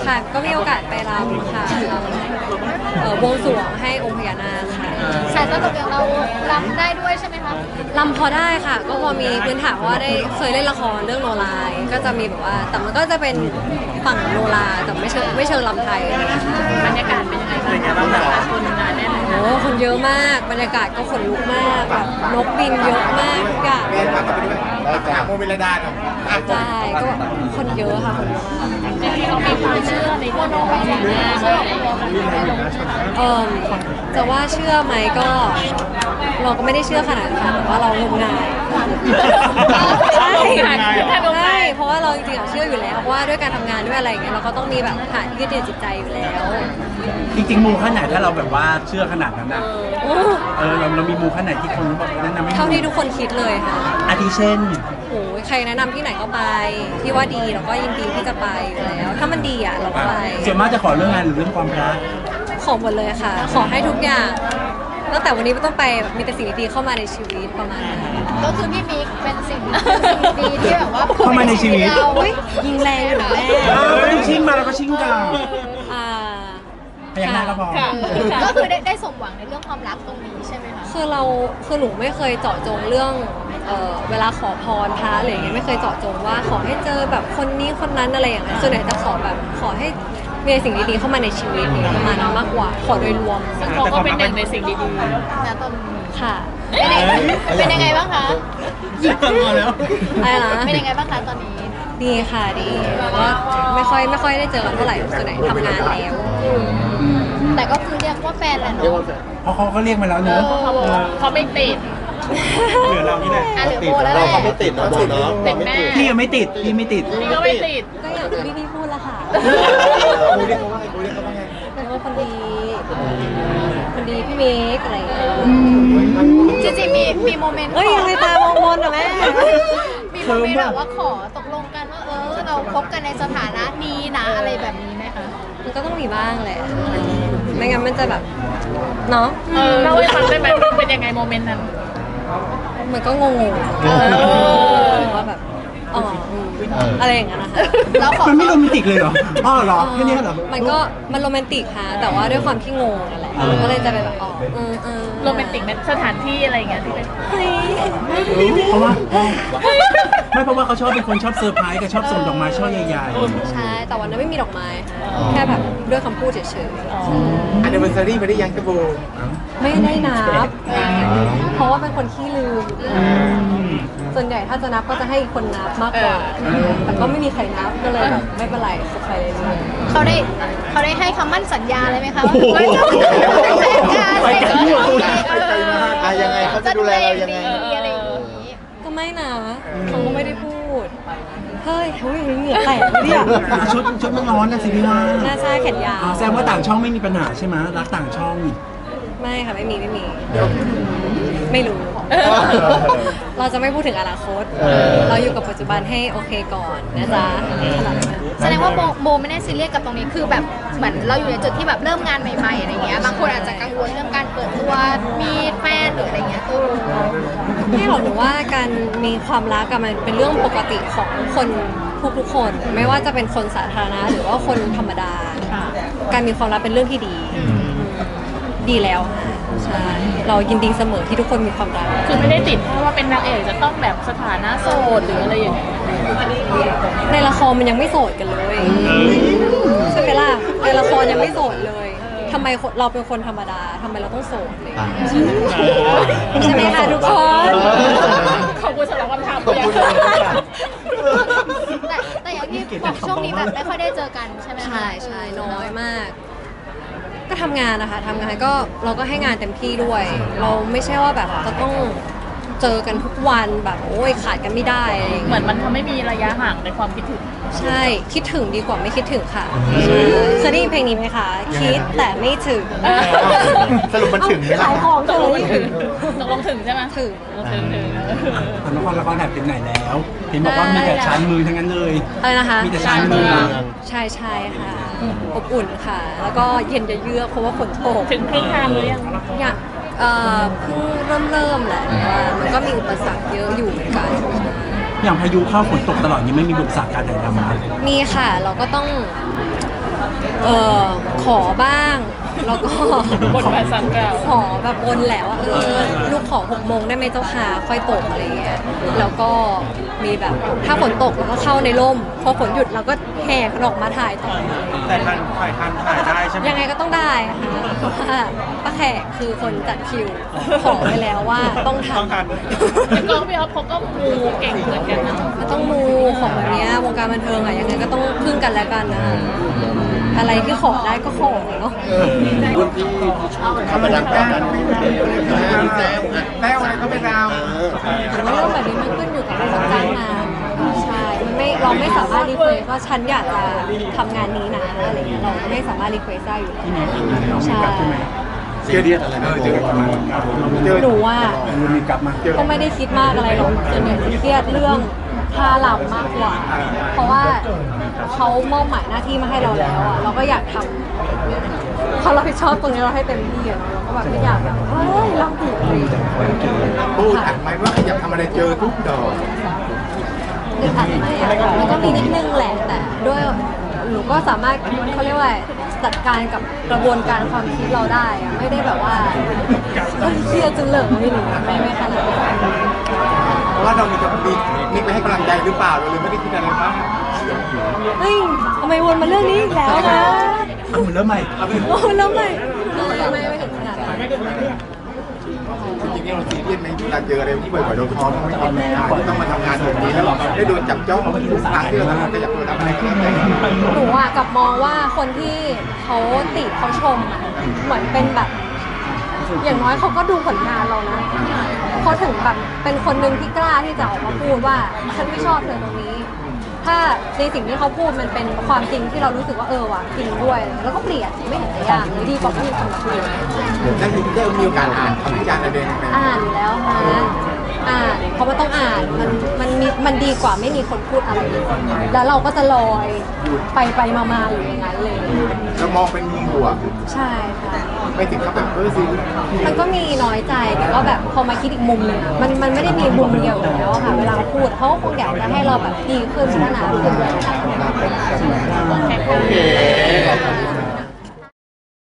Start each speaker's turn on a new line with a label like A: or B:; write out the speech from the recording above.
A: ค่ะก็มีโอกาสไปรำค่ะบวงสรวงให้องค์พญานาคค่ะ
B: สายตลกอย่างเรารำได้ด้วยใช่ไหมคะ
A: รำพอได้ค่ะก็พอมีพื้นฐานว่าได้เคยเล่นละครเรื่องโนราก็จะมีแบบว่าแต่มันก็จะเป็นฝั่งโนราแต่ไม่เชิงรำไทย
B: บรรยากาศเป็นยังไงบ้างคะคนงานแน่น
A: โอ้คนเยอะมากบรรยากาศก็ขนลุกมากแบบนกบินเยอะมากทุกอย่าง
C: เรียนผ่านกันไปด้วยถามโมเมลดาหน่อย
A: ใช่ก็แบบคนเยอะค่ะคนเยอะมาก
B: จริงๆเรามีความเชื่อในโมโนไปอย่างนี้เชื่อ
A: จะว่าเชื่อไหมก็เราก็ไม่ได้เชื่อขนาดนั้นค่ะแต่ว่าเรางมงายใช่เพราะว่าเราจริงๆเชื่ออยู่แล้วว่าด้วยการทำงานด้วยอะไรอย่างเงี้ยเราก็ต้องมีแบบฐานยึดเหนี่ยวจิตใจอยู่แล้ว
D: จริงๆมูขั้นไหนถ้าเราแบบว่าเชื่อขนาดนั้นนะเรามีมูขั้นไหนที่คนบอกแนะนำให้
A: เท่าที่ทุกคนคิดเลยค่ะ
D: อาทิเช่น
A: โอ้ยใครแนะนำที่ไหนก็ไปที่ว่าดีเราก็ยินดีที่จะไปอยู่แล้วถ้ามันดีอ่ะเราก็ไป
D: ส่วนมากจะขอเรื่องงานหรือเรื่องความรัก
A: ขอหมดเลยค่ะขอให้ทุกอย่างตั้งแต่วันนี้ไม่ต้องไปมีแต่สิ่งดีๆเข้ามาในชีวิตประมาณนั้น
B: ก็คือพี่มิกเป็นสิ่งดีที่แบบว่า
D: เข้ามาในชีวิต
A: ยิงแรงอยู่แม่
D: ไม่ต้องชิ่งมาแล้วก็ชิ่งกันพยักหน้าก็พอ
B: ก็คือได้สมหวังในเรื่องความรักตรงนี้ใช่ไหมคะ
A: คือหนูไม่เคยเจาะจงเรื่องเวลาขอพรพระอะไรอย่างเงี้ยไม่เคยเจาะจงว่าขอให้เจอแบบคนนี้คนนั้นอะไรอย่างเงี้ยส่วนใหญ่จะขอให้มีสิ่งดีๆเข้ามาในชีวิตประมาณนั้นมากกว่าขอโดยรวม
B: ซึ่งเราก็เป็นหนึ่งในสิ่งดีๆนะตอน
A: ค่ะ
B: เป็นยังไงบ้างคะ
A: อะไรนะ
B: เป็นยังไงบ้างคะตอนนี้
A: ดีค่ะดีก็ไม่ค่อยได้เจอกันเท่าไหร่ส่วนใหญ่ทำงานแล้ว
B: แต่ก็คือเรียกว่าแฟนแหละเนาะ
D: เพราะเขาก็เรียกมาแล้วเนอะ
B: เขาไม่ติด
D: เหลือเรานี่แหละ
C: เราก็ไม่ติดเนาะเนาะ
D: พี่ยังไม่ติดพี่ไม่ติด
B: พี่ก็ไม่ติด
A: ก็อย่างที่พี่พูดละค่ะ
C: กูเรียกเขาว่าไงกูเรียกเขาว่าไง
A: เป็นว่าคนดีพี่เมกอะไร
B: จริงๆมีโมเมนต์
A: เฮ้ยยังไงตามองมนเหรอแม่
B: มีโมเมนต์แบบว่าขอตกลงกันว่าเราคบกันในสถานะนี้นะอะไรแบบนี้ไหมคะ
A: มันก็ต้องมีบ้างแหละไม่งั้นมันจะแบบเนาะ
B: เล่าให้ฟังได้ไหมเป็นยังไงโมเมนต์นั้น
A: มันก็งงว่าแบบอะไรอย่างเงี้ยนะคะ
D: มันไม่โรแมนติกเลยเหรอเหรอแค่นี้เหรอ
A: มันโรแมนติกค่ะแต่ว่าด้วยความที่งงนั่นแหละมันก็เลยจะเป็นแบบ
B: โรแมนติกเป็นสถานที่อะไรอย่างเงี้ยที่เป็น
D: เพราะว่าเขาชอบเป็นคนชอบเซอร์ไพรส์กับชอบส่งดอกไม้ช่อใหญ่
A: ๆใช่แต่วันนั้นไม่มีดอกไม้แค่แบบด้วยคำพูดเฉย
C: ๆอันเดอร์เวอร์ซารี่ไม่ได้ยังกระโบ
A: ไม่ได้นับเพราะว่าเป็นคนขี้ลืมส่วนใหญ่ถ้าจะนับก็จะให้คนนับมากกว่าแต่ก็ไม่มีใครนับก็เลยแบบไม่เป็นไรสุดท้ายเลย
B: เขาได้ให้คำมั่นสัญญาเลยไหมคะ
C: ไปกันที่หัวยังไงเขาจะดูแลเรายังไง
A: ก็ไม่นะเขาก็ไม่ได้พูดเฮ้ยเหงื่อแตกเนี่ย
D: ชุดมันร้อนนะสิพี่ว่า
A: น่าใช่แขนยาว
D: แสดงว่าต่างช่องไม่มีปัญหาใช่ไหมรักต่างช่อง
A: ไม่ค่ะไม่มีไม่รู้เราจะไม่พูดถึงอนาคตเราอยู่กับปัจจุบันให้โอเคก่อนนะจ๊ะ
B: แสดงว่าโบไม่ได้ซีเรียสกับตรงนี้คือแบบเหมือนเราอยู่ในจุดที่แบบเริ่มงานใหม่ๆอะไรเงี้ยบางคนอาจจะกังวลเรื่องการเปิดตัวมีแฟนหรืออะไรเงี้ย
A: ไม่หรอกหนูว่าการมีความรักมันเป็นเรื่องปกติของคนทุกคนไม่ว่าจะเป็นคนสาธารณะหรือว่าคนธรรมดาการมีความรักเป็นเรื่องที่ดีแล้วใช่เรายินดีเสมอที่ทุกคนมีความรัก
B: คือไม่ได้ติดเพราะว่าเป็นนางเอกจะต้องแบบสถานะโสดหรืออะไรอย่างเงี้ย
A: ในละครมันยังไม่โสดกันเลยใช่ไหมล่ะในละครยังไม่โสดเลยทำไมเราเป็นคนธรรมดาทำไมเราต้องโสดเลยใช่ไหมคะทุกคน
B: ขอบคุณสำหรับคำถามแต่อย่างที่บอกช่วงนี้แบบไม่ค่อยได้เจอกันใช่ไหม
A: ใช่น้อยมากก็ทำงานนะคะทำงานก็เราก็ให้งานเต็มที่ด้วยเราไม่ใช่ว่าแบบจะต้องเจอกันทุกวันแบบโอ้ยขาดกันไม่ได้
B: เหมือนมันทำให้มีระยะห่างในความคิดถึง
A: ใช่คิดถึงดีกว่าไม่คิดถึงค่ะเคยได้ยินเพลงนี้ไหมคะคิดแต่ไม่ถึง
C: สรุปมันถึงไหม
A: ขายของ
B: ตกลงถึงใช่ไหม
A: ถึง
D: ละครแถบถึงไหนแล้วเห็นบอกว่ามีแต่ชานมือทั้งนั้นเลย
A: อะไรนะคะ
D: มีแต่ชานมือ
A: ใช่ค่ะอบอุ่นค่ะแล้วก็เย็นเยือกเพราะว่าฝนตก
B: ถึงครึ่งทางหรือยัง
A: เพิ่งเริ่มแหละมันก็มีอุปสรรคเยอะอยู่เหมือนกัน
D: อย่างพายุเข้าฝนตกตลอดนี้ไม่มีอุปสรรคการถ่ายทำมั้ย
A: มีค่ะเราก็ต้องเออขอบ้างแล้วก็
E: บนบานสารกล่าว
A: ขอแบบบนแหละว่าลูกขอ6 โมงได้ไหมเจ้าค่ะค่อยตกอะไรเงี้ยแล้วก็มีแบบถ้าฝนตกเราก็เข้าในร่มพอฝนหยุดเราก็แห่กันออกมาถ่ายต่อ
D: แต่ทันถ่ายได้ใช่ไหม
A: ยังไงก็ต้องได้ค่ะเพราะว่าป้าแขกคือคนจัดคิวขอไว้แล้วว่าต้องท
D: ต้องทัน
E: พี่ก้องพี่อ๊อฟเขาก็มูเก่งเหมือนกันนะ
A: ำมันต้องมูของแบบเนี้ยวงการบันเทิงอะยังไงก็ต้องพึ่งกันและกันนะคะอะไรที่ขอได้ก็ขอเนาะ
C: รุ่นพี่ธรรมดากันแต้วอะไรก็เป็นดาว
A: แต่ว่าเรื่องแบบนี้มันขึ้นอยู่กับคนจ้างงานใช่มันไม่เราไม่สามารถรีเควสว่าฉันอยากจะทำงานนี้นะอะไรเงี้ยเราไม่สามารถรีเควสได้อยู่แล้วใช่
C: เจอเดียดอะไรนะเจอ
A: หนูว่า
D: มันมีกลับมา
A: ก็ไม่ได้คิดมากอะไรหรอกส่วนใหญ่จะเครียดเรื่องค่าลำมากกว่า เพราะว่าเขามอบหมายหน้าที่มาให้เราแล้วอ่ะเราก็อยากทำเขารับผิดชอบตรงนี้เราให้เต็มที่อะเนาะเราก็แบบไม่อยากแบบเฮ้ยลำผิดอะไรอย่างเงี้ย
C: พูดอัดไหมว่าอยากทำอะไรเจอทุกดอก
A: อึดอัดไหมอะมันก็มีนิดนึงแหละแต่ด้วยหนูก็สามารถเขาเรียกว่าจัดการกับกระบวนการความคิดเราได้อะไม่ได้แบบว่าเฮ้ยเครียดจนเหลิงไม่หนูไม่ขนาดนั้น
C: เพราะว่าเรามีกับมิกไปให้กำลังใจหรือเปล่าเราเลยไม่ได้คิดอะไรบ้าง
A: เฮ้ยทำไมวนมาเรื่องนี้อีกแล้วนะ
D: ก็เหมือนเริ่มใหม่
A: โอ้แล้วไม่ไม่ถึงขนาดนั้น
C: จริงๆเราซีเรียสไหมเวลาเจออะไรที่บ่อยๆโดนท้อไม่กินไม่ได้ต้องมาทำงานแบบนี้แล้วได้โดนจับจ้องทุกครั้งที่เราทำก็อยากทำอะไรก็ได้
A: หนูอะกลับมองว่าคนที่เขาติเขาชมอะเหมือนเป็นแบบ อย่างน้อยเขาก็ดูผลงานเรานะเขาถึงแบบเป็นคนหนึ่งที่กล้าที่จะออกมาพูดว่าฉันไม่ชอบเธอตรงนี้ ถ้าในสิ่งที่เขาพูดมันเป็นความจริงที่เรารู้สึกว่าว่ะจริงด้วย แล้วก็เปลี่ยนไม่เห็นจะยากเลยดีกว่าพูดสำหรับหนู
C: นั่นคือได้มีโอกาสอ่านคำวิจารณ์อะไรไหม
A: อ่านอยู่แล้วค่ะอ่านเพราะมันต้องอ่านมันดีกว่าไม่มีคนพูดอะไรเลยแล้วเราก็จะลอยไปมาอยู่อย่างนั้นเลย
C: เรามองเป็นมุมบวก
A: ใช่ค่ะ
C: ไม่ถึงกับแบบซี
A: มันก็มีน้อยใจแต่ก็แบบพอมาคิดอีกมุมหนึงอะมันไม่ได้มีมุมเดียวอยู่แล้วอะค่ะ เวลาเขาพูดเขาก็คงอยากจะให้เราแบบดีขึ้นพัฒนาขึ้น
C: โอเค